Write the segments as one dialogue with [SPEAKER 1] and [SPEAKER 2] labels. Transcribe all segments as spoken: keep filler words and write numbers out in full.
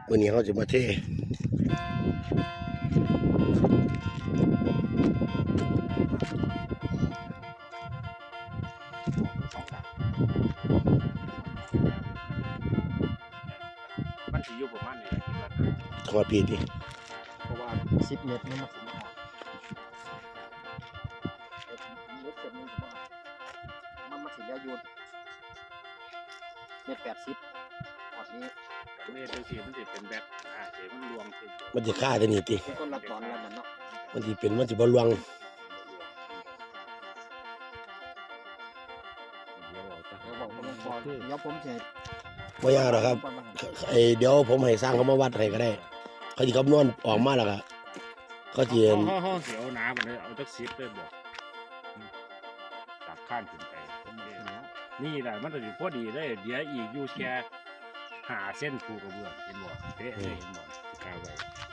[SPEAKER 1] วันนี้เขาจะมาเท
[SPEAKER 2] มันสิอยู่ประมาณนี้แหละคิดว่า
[SPEAKER 1] ขอดพีดิ
[SPEAKER 3] เพราะว่าสิบเมตรนี่มันสิบเมตรเมตรเจ็ดนี่ผมว่ามันมาสิแล้วโยนเมตรแปดสิบพอดนี้
[SPEAKER 2] เมตรจังซี่มันสิเป็นแบบอ่าเสียมันรวมขึ้น
[SPEAKER 1] มันจะฆ่าได้นี่ติ
[SPEAKER 3] ต้นละตอนละมันเนาะ
[SPEAKER 1] มันจะเป็นมันจะบอลวง
[SPEAKER 2] เดี๋ยวเอาซะ
[SPEAKER 3] เดี๋ยวบอกผมพอเดี๋ยวผมจะ
[SPEAKER 1] ไม่ยากหรอกครับไอเดี๋ยวผมให้สร้างเขามาวัดให้ก็ได้เขาจะคำนวณออกมาแล้วก็เขาจะ
[SPEAKER 2] ห้องห้องห้องเสียวน้ำมันเลยเอาจักสิบเลยบอกตัดข้านขึ้นไปนี่แหละมันจะสิพอดีเลยเดี๋ยวอีกอยู่แค่หาเส้นผูกกระเบื้องเห็นบ่เป๊ะเลยเห็นบ่กาวไว้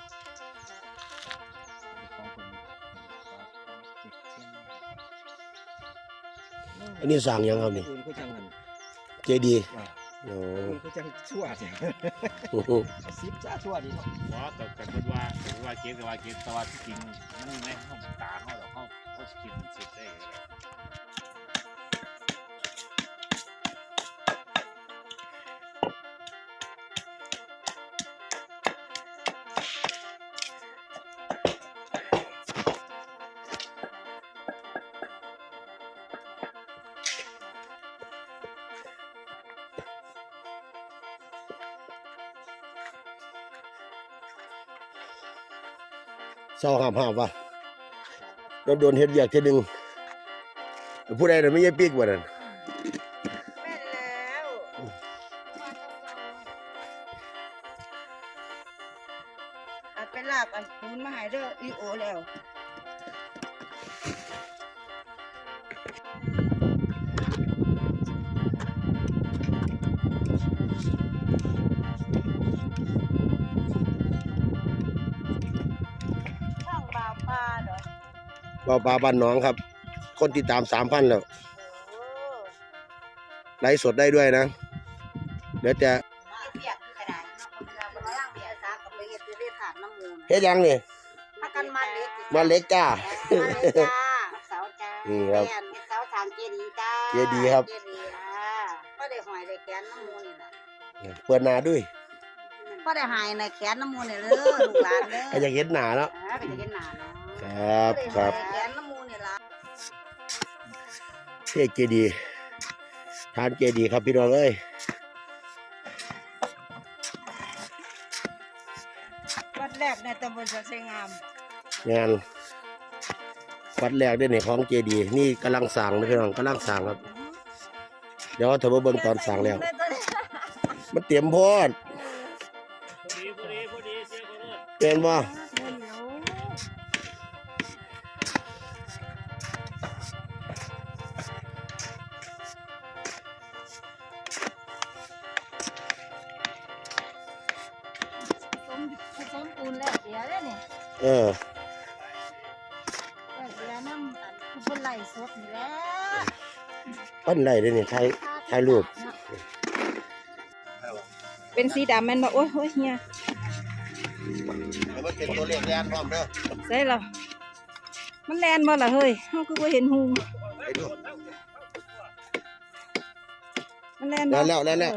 [SPEAKER 1] อันนี้สร้างยังครับนี่
[SPEAKER 3] อื่นก็จังหัน
[SPEAKER 1] เจดีย์โอ้
[SPEAKER 3] อื่นก็จังชั่วเนี่ยสิบจ้าชั่วดีเนาะ
[SPEAKER 2] เพราะกับกันพูดว่ากันว่าเกณฑ์กับว่าเกณฑ์แต่ว่าที่จริงมันไม่ห้องตาเขาหรอกเขาเขาสกินสิบได้
[SPEAKER 1] เศร้าห้ามห้ามวะเราโดนเฮ็ดเวียกทีหนึ่งผู้ใดน่ะไม่ใช่ปีกว่านั่น
[SPEAKER 4] แม่นแล้วอัดไปลาบอันปูนมาให้เด้ออีโอแล้วช่างบาปาเด้อ
[SPEAKER 1] บ่าวปลาบ้านหนองครับ คนติดตามสามพันแล้ว
[SPEAKER 4] โอ้
[SPEAKER 1] ไลฟ์สดได้ด้วยนะเดี๋ยวจะ
[SPEAKER 4] เปียกกระดาษเนาะเวลาบ่ล้างเปียกซากับไปเฮ็ดจะได้ถาดน้ำมูก
[SPEAKER 1] เฮ็ดยังนี่
[SPEAKER 4] ถ้ากันมาเล็ก
[SPEAKER 1] มาเล็กจ้า
[SPEAKER 4] มาเล็กจ้าเสาจ้า
[SPEAKER 1] นี่ครับ
[SPEAKER 4] แม่นเสาทางเจดีย์จ้า
[SPEAKER 1] เจดีย์ครับ
[SPEAKER 4] เจดีย์อ่าก็ได้หอยได้แขนน้ำมูนี่ล่ะ
[SPEAKER 1] เปิดหน้าด้วย
[SPEAKER 4] ก็ได้หายในแขนน้ำมูนี่เด้อลูกหลานเด้อ
[SPEAKER 1] ใครอยากเห็นหน้าเนาะ
[SPEAKER 4] อ่าเป็นจะเห็นหน้าเนาะ
[SPEAKER 1] ครับครับ
[SPEAKER 4] แขนน้ำมูนี่ล่ะ
[SPEAKER 1] เทศเจดีย์ทานเจดีย์ครับพี่น้องเอ้ย
[SPEAKER 4] วัดแรกในตำบลสัตย์งาม
[SPEAKER 1] งานวัดแรกได้ในของเจดีย์นี่กำลังสั่งนะพี่น้องกำลังสั่งครับเดี๋ยวเธอมาเบิ่งตอนสั่งแล้ว มันเตรียมโพด
[SPEAKER 2] พอดีพอดีพอดีเสียคนรถ
[SPEAKER 1] เป็นบ่
[SPEAKER 4] ผสมผสมปูนแล้วเสียแล้วนี่
[SPEAKER 1] เออ
[SPEAKER 4] แล้วเสียน้ำอันคือเป็นไหลสดนี่แหล้ว
[SPEAKER 1] ปั้นไรได้นี่ถ่ายถ่ายรูป
[SPEAKER 4] เป็นสีดำแม่นบ่โอ้ยโอ้ยเฮีย
[SPEAKER 1] มันเป็นตัวเลขแดนพร้อมเด้อ
[SPEAKER 4] ใส่แล้วมันแลนบ่ล่ะเฮ้ยเฮาคือบ่เห็นหู
[SPEAKER 1] ไปดู
[SPEAKER 4] มันแลน
[SPEAKER 1] แล้
[SPEAKER 4] บ่
[SPEAKER 1] วแล้วแล้วแล้ว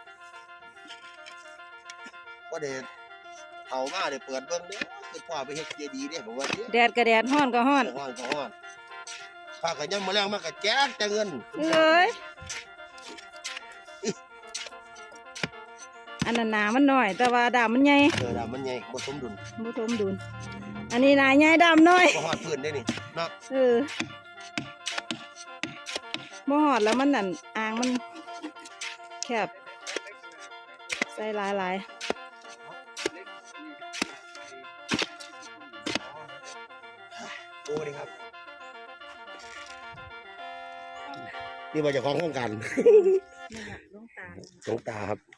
[SPEAKER 1] ก็เด็ดเผามาเดี๋ยวเปิดเบิ่งเด้อคือพ่อไปเฮ็ดเจดีย์เด้ผมว่าเด้อ
[SPEAKER 4] แดดก็แดดร้อนก็ร้อน
[SPEAKER 1] ฮ้อนก็ฮ้อนข้าก็ยังมาแรงมาก็แจกแต่เงิน
[SPEAKER 4] เอ้ยอันนั้นหนามันน้อย แต่ว่าดำมันใหญ่
[SPEAKER 1] เออดามันใหญ่บ่สมดุล
[SPEAKER 4] บ่สมดุลอันนี้หนาใหญ่ดำน้อย
[SPEAKER 1] บ่ฮอดพื้นได้นี่เนาะ
[SPEAKER 4] เออบ่ฮอดแล้วมันนั่นอ่างมันแคบใส่หลายๆ
[SPEAKER 1] โอ้ดีครับนี่มาจากของโครงการหลวงตาครับ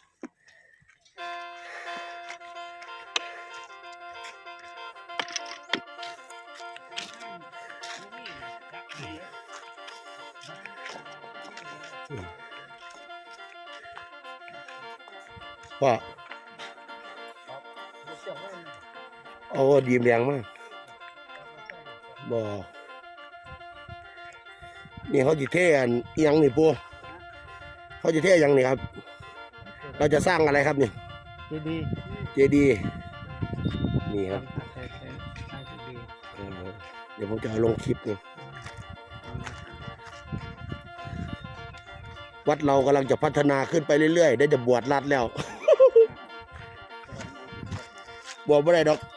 [SPEAKER 1] พ่อโอ้ดีมแรงมากบ่นี่เขาจะเทอันอิหยังนี่ปูเขาจะเทอิหยังนี่ครับ เราจะสร้างอะไรครับนี่
[SPEAKER 3] ดีดี
[SPEAKER 1] เจดีย์นี่ครับ
[SPEAKER 3] ใช่ใช่ใช่ดี
[SPEAKER 1] เออเดี๋ยวผมจะเอาลงคลิปนี่วัดเรากำลังจะพัฒนาขึ้นไปเรื่อยๆได้จะบวชรัดแล้ว บวชไม่ได้ดอก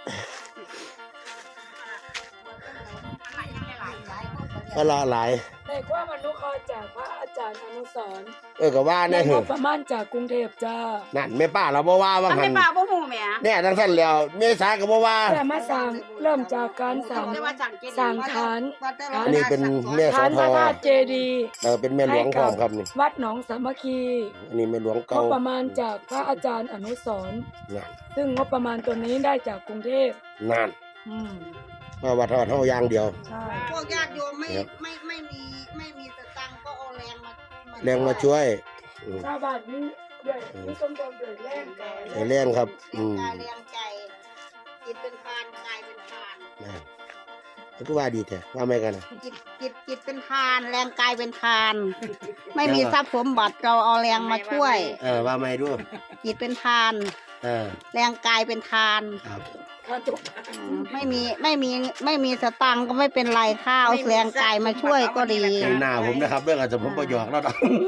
[SPEAKER 1] ก็ละหลาย
[SPEAKER 5] ในความอนุเคราะห์จากพระอาจารย์อนุสรณ์
[SPEAKER 1] เออก็ว่า
[SPEAKER 5] ใน
[SPEAKER 1] แน่เห
[SPEAKER 5] ง
[SPEAKER 1] อะ
[SPEAKER 5] บประมาณจากกรุงเทพจ้า
[SPEAKER 1] นั่นแม่ป้าเราบ่ว่าว่า
[SPEAKER 6] มัน
[SPEAKER 1] หั
[SPEAKER 6] ไม่
[SPEAKER 1] น
[SPEAKER 6] ปลาบ่หูแหม่
[SPEAKER 1] เนี่ยทั้งสั้นแล้วเมษาก็บ่ว่า
[SPEAKER 5] แต่มาสร้างเริ่มจากการสร้าง
[SPEAKER 6] แต่ว่าสั่งเจดีย์
[SPEAKER 5] สร้างฐาน
[SPEAKER 1] อันนี้เป็นแม่โส
[SPEAKER 5] ฐาน
[SPEAKER 1] ธ
[SPEAKER 5] พระ
[SPEAKER 1] ร
[SPEAKER 5] ธาตุเจดีย์
[SPEAKER 1] เออเป็นแม่หลวงพร้อมครับนี่
[SPEAKER 5] วัดหนองสามัคคี
[SPEAKER 1] อันนี้แม่หลวง
[SPEAKER 5] ง
[SPEAKER 1] เก่า
[SPEAKER 5] บประมาณจากพระอาจารย์อนุสรณ์
[SPEAKER 1] นั่น
[SPEAKER 5] ซึ่งงบประมาณตัวนี้ได้จากกรุงเทพ
[SPEAKER 1] นั่น
[SPEAKER 5] อืม
[SPEAKER 1] มาวัดทอดเท่าอย่างเดียว
[SPEAKER 5] ใช่
[SPEAKER 6] พวกญาติโยมไม่
[SPEAKER 1] ครับ
[SPEAKER 6] ไม่ไม่มีไม่มีสตังค์ก็เอาแรงมา
[SPEAKER 1] แรงมาช่วยอืม
[SPEAKER 5] ชาวบ้านนี้ด้วยมีสมบูรณ์ด้วยแรงกาย
[SPEAKER 1] ไอ้แรงครับ
[SPEAKER 6] แร
[SPEAKER 1] อื
[SPEAKER 6] ง
[SPEAKER 1] ม
[SPEAKER 6] กายแรงใจจิตเป็นทานกายเป็นทาน
[SPEAKER 1] นั่นมันก็ว่าดีแท้ว่าไม่กันนะ
[SPEAKER 6] จิตจิตจิตเป็นทาน แรงกายเป็นทาน ไม่มีทรัพย์สมบัติเราเอาแรงมาช่วย
[SPEAKER 1] เออว่าไม่ด้วย
[SPEAKER 6] จิตเป็นทาน
[SPEAKER 1] เออ
[SPEAKER 6] แรงกายเป็นทาน
[SPEAKER 1] ครับ
[SPEAKER 5] ข้าตก
[SPEAKER 6] อืมไม่มีไม่มีไม่มีสตังค์ก็ไม่เป็นไรข้าวแรงกายมาช่วยก็ดี
[SPEAKER 1] ในหน้าผมนะครับเรื่องอาจจะผมประหยอกแล้วนะ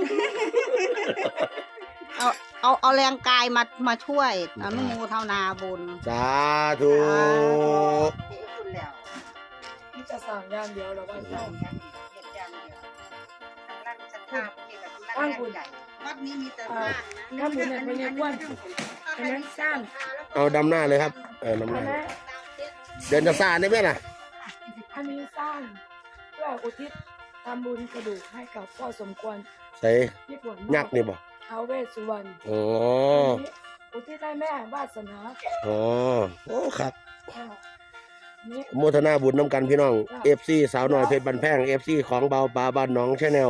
[SPEAKER 6] เอาเอาเอาแรงกายมามาช่วยอนุโมทนาบุญ
[SPEAKER 1] สาธุ
[SPEAKER 5] ที่จะสร้างอย่างเดียวเราว่าสร้าง
[SPEAKER 6] ตั้งบุญวัดนี้มีแต่สร้างนะ
[SPEAKER 5] ถ้าบุญเนี่ยเป็นเรียกว่าอันนั้นสร้าง
[SPEAKER 1] เอาดำหน้าเลยครับเออดำห
[SPEAKER 5] อั
[SPEAKER 1] น้าน
[SPEAKER 5] นั้น
[SPEAKER 1] เดินจะซาได้ไหมล่ะ
[SPEAKER 5] อันนี้สร้างเพื่ออุทิศทำบุญกระดูกให้กับพ่อสมควร
[SPEAKER 1] ใส่
[SPEAKER 5] ที่ปวด
[SPEAKER 1] ยักษ์นี่บ่
[SPEAKER 5] ท้าวเวสสุวรรณ
[SPEAKER 1] อ๋อ
[SPEAKER 5] อันนี้อุทิศให้แม่วาสนา
[SPEAKER 1] อ๋อโอ้ครับ
[SPEAKER 5] อ่าอันนี้
[SPEAKER 1] โมทนาบุญน้ำกันพี่น้อง เอฟ ซี สาวน้อยเพชรบันแพง เอฟ ซี ของเบาปลาบ้านหน้องชาแนล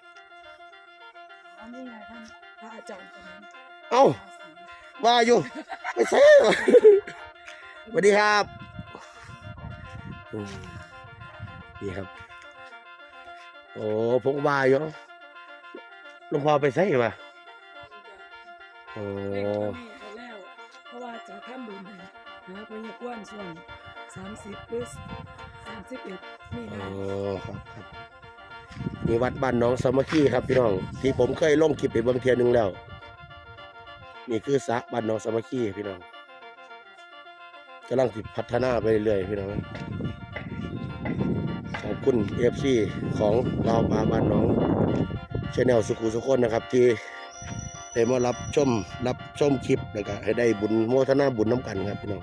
[SPEAKER 5] อันนี้ไงท่านพระอาจารย์คนนั้น
[SPEAKER 1] เอ้า ว่าอยู่ไม่ใช่เหรอสวัสดีครับอืมนี่ครับ โอ้ผมว่าอยู่หลวงพ่อไปใส่ป่ะโอ้
[SPEAKER 5] เด็กคนนี้เขาแล้ว เพราะว่าจะทำบุญให้นะพญากวนส่วนสามสิบหรือสามสิบเอ็ดนี่
[SPEAKER 1] โอ้
[SPEAKER 5] นะ
[SPEAKER 1] ครับครับนี่วัดบ้านหน้องสามัคคีครับพี่น้อง ที่ผมเคยลงคลิปไปเบิ่งเทียหนึงแล้ว นี่คือสระบ้านหน้องสามัคคีพี่น้องกำลังสิพัฒนาไปเรื่อยๆพี่น้องขอบคุณ เอฟ ซี ของเราปลาบ้านหน้องชาแนลสุขุสุคนนะครับ ที่ได้มารับชมรับชมคลิปแล้วก็ให้ได้บุญโมทนาบุญน้ำกันครับพี่น้อง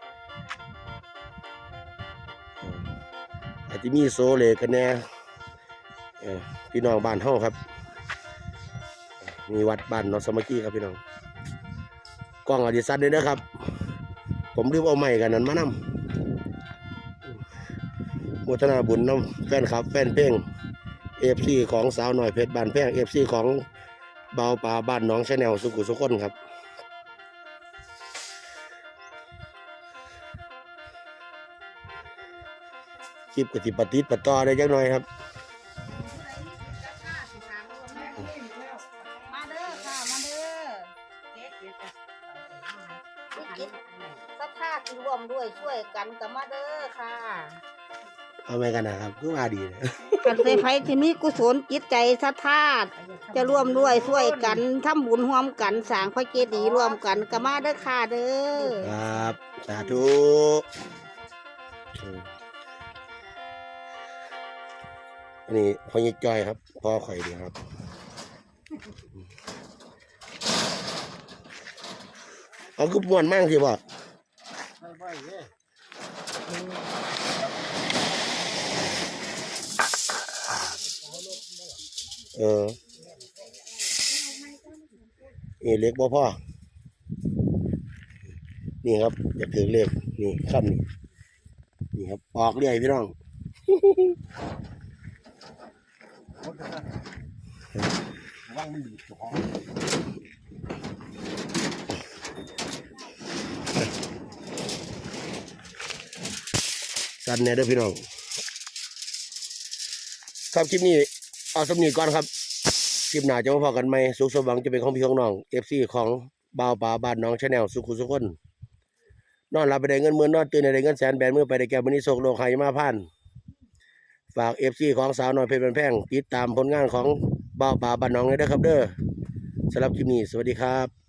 [SPEAKER 1] อาจจะมีโซเลกันแน่เอ่อพี่น้องบ้านเฮาครับ มีวัดบ้านหนองสามัคคีครับพี่น้องกล้องอดิสันด้วยนะครับ ผมลืมเอาไม้กันนั้นมานำโมทนาบุญน้ำแฟนครับ แฟนเพลงเอฟซีของสาวหน่อยเพชรบ้านแพงเอฟซีของเบาปลาบ้านหน้องชาแนลสุขุสุคนครับคลิปกติปฏิติดต่อได้จักหน่อยครับ
[SPEAKER 6] มาเด้อค่ะมาเด้อจิตศรัทธาที่ร่วมด้วยช่วยกันกับมาเด้อค่ะ
[SPEAKER 1] เอาไม่กันนะครับก็ว่าดีนะ
[SPEAKER 6] กันใส่ไฟที่มีกุศลจิตใจศรัทธาจะร่วมด้วยช่วยกันทำบุญร่วมกันสร้างพระเจดีย์ร่วมกันกับมาเด้อค่ะเด้อ
[SPEAKER 1] ครับสาธุอันนี้พ่อยิ่จอยครับพ่อข่อยดีครับเอาคือม่วนมากสิบ่เออนี่เล็กบ่พ่อนี่ครับอยากถือเลขนี่ค่ำนี่นี่ครับออกเรื่อยพี่น้องว่างมันดีจ้องสั่นแน่เด้อพี่น้องครับคลิปนี้เอาสำนีก่อนครับคลิปหน้าจะมาพอกันไหมสุขสมหวังจะเป็นของพี่ของน้องเอฟซีของบ่าวป่าบ้านน้องชาแนลสุขุสุขคนนอนหลับไปได้เงินหมื่นนอนตื่นได้เงินแสนแบนมือไปได้แก้วมื้อนี้โศกโลกไหมาพันฝากเอฟซีของสาวน้อยเพชรเป็นแพงติดตามผลงานของบ่าวป่าบ้านน้องเลยเด้อครับเด้อสำหรับคลิปนี้สวัสดีครับ